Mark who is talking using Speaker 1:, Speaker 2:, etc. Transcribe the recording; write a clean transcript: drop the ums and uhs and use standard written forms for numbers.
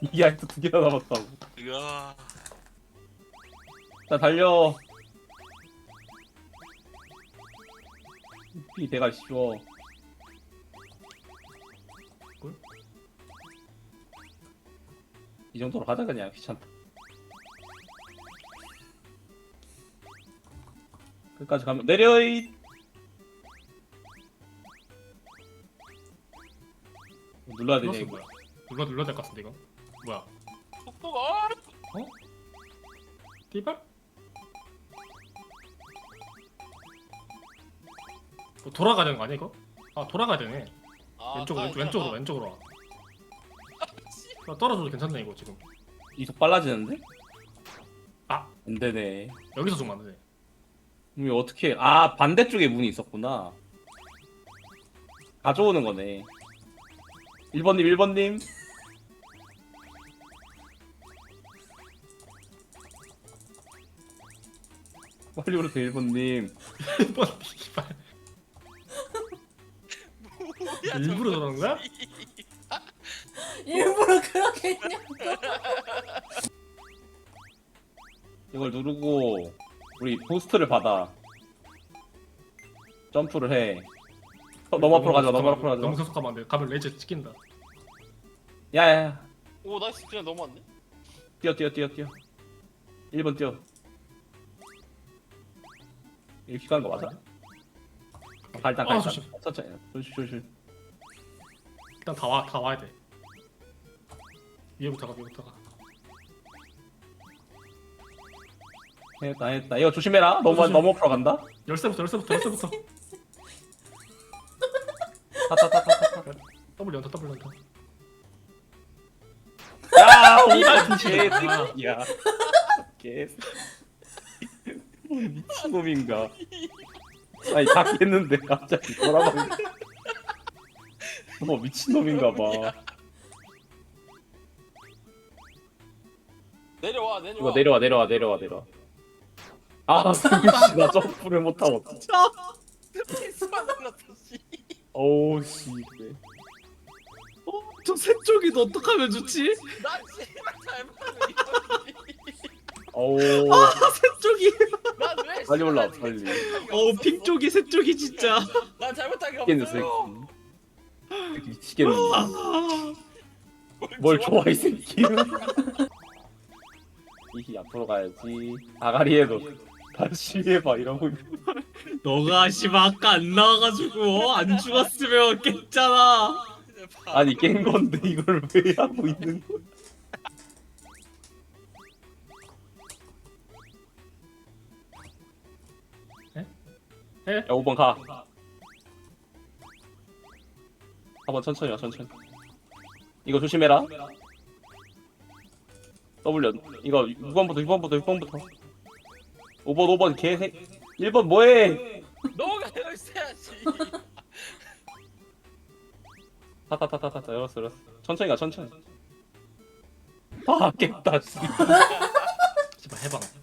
Speaker 1: 이게 아직도 2개나 남았다고.
Speaker 2: 으아.
Speaker 1: 자 달려. 이 대가 쉬워.
Speaker 3: 꿀?
Speaker 1: 이 정도로 하자 그냥 귀찮다. 끝까지 가면 내려잇. 눌러야 되냐
Speaker 3: 플러스
Speaker 1: 이거.
Speaker 3: 뭐야? 눌러야 될 것 같은데 이거. 뭐야?
Speaker 2: 속도가.
Speaker 3: 띠발? 돌아가야 되는 거 아니야 이거? 아 돌아가야 되네. 왼쪽으로 와. 나 떨어져도 괜찮네 이거 지금.
Speaker 1: 이속 빨라지는데?
Speaker 3: 아.
Speaker 1: 안 되네.
Speaker 3: 여기서 좀 안 되네.
Speaker 1: 이거 어떻게? 아 반대쪽에 문이 있었구나. 가져오는 거네. 1번님. 빨리 오세요 1번님.
Speaker 3: 뭐 띠발.
Speaker 2: 뭐야,
Speaker 3: 일부러
Speaker 2: 저거.
Speaker 3: 저러는 거야?
Speaker 4: 일부러 그렇게 했냐고.
Speaker 1: 이걸 누르고 우리 부스트를 받아. 점프를 해. 너무 앞으로 가자. 너무 앞으로
Speaker 3: 너무
Speaker 1: 가자.
Speaker 3: 계속 가면 안 돼. 가면 레이저 찍힌다.
Speaker 1: 야야야.
Speaker 2: 오 나이스 그냥 넘어왔네.
Speaker 1: 뛰어. 1번 뛰어. 이렇게 가는 거 맞아? 일단 가.
Speaker 3: 조심.
Speaker 1: 천천히. 조심.
Speaker 3: 일단 다 와야 돼. 위에부터 가.
Speaker 1: 했다. 이거 조심해라. 너무
Speaker 3: 조심.
Speaker 1: 앞으로 간다.
Speaker 3: 열쇠부터.
Speaker 1: 타타타타타.
Speaker 3: W 연타.
Speaker 1: 야,
Speaker 3: 이발
Speaker 1: 개새끼야. 미친놈인가? 아니 다 깼는데 갑자기 돌아가는. 너 미친놈인가 봐.
Speaker 2: 내려와.
Speaker 1: 이거 내려와. 아, 승규씨 나 점프를 못하고.
Speaker 2: 수만 날랐어 씨.
Speaker 1: 어우 씨.
Speaker 5: 저 새 쪽이 어떡하면 좋지?
Speaker 2: 나 씨발 잘못하면
Speaker 1: 어우.
Speaker 5: 새 쪽이
Speaker 2: 난왜
Speaker 1: 빨리 올라와 빨리.
Speaker 5: 핑 쪽이 새 쪽이 진짜.
Speaker 2: 난 잘못한 게
Speaker 1: 미치겠네
Speaker 2: 없어요.
Speaker 1: 새끼. 미치겠네. 뭘 좋아 이 새끼는. 이히 앞으로 가야지. 아가리에도 다시 해봐 이러고.
Speaker 5: 너가 씨발 아까 안 나와가지고 안 죽었으면 깼잖아.
Speaker 1: 아니 깬 건데 이걸 왜 하고 있는 거야?
Speaker 3: 에?
Speaker 1: 야 5번 가. 4번 천천히 와 천천히. 이거 조심해라. W 이거 6번부터 5번 개새. 1번 뭐해?
Speaker 2: 너가 열쇠야지.
Speaker 1: 타타타타타 열었어. 천천히 가 천천히. 아 깼다. 씨.
Speaker 3: 제발 해봐.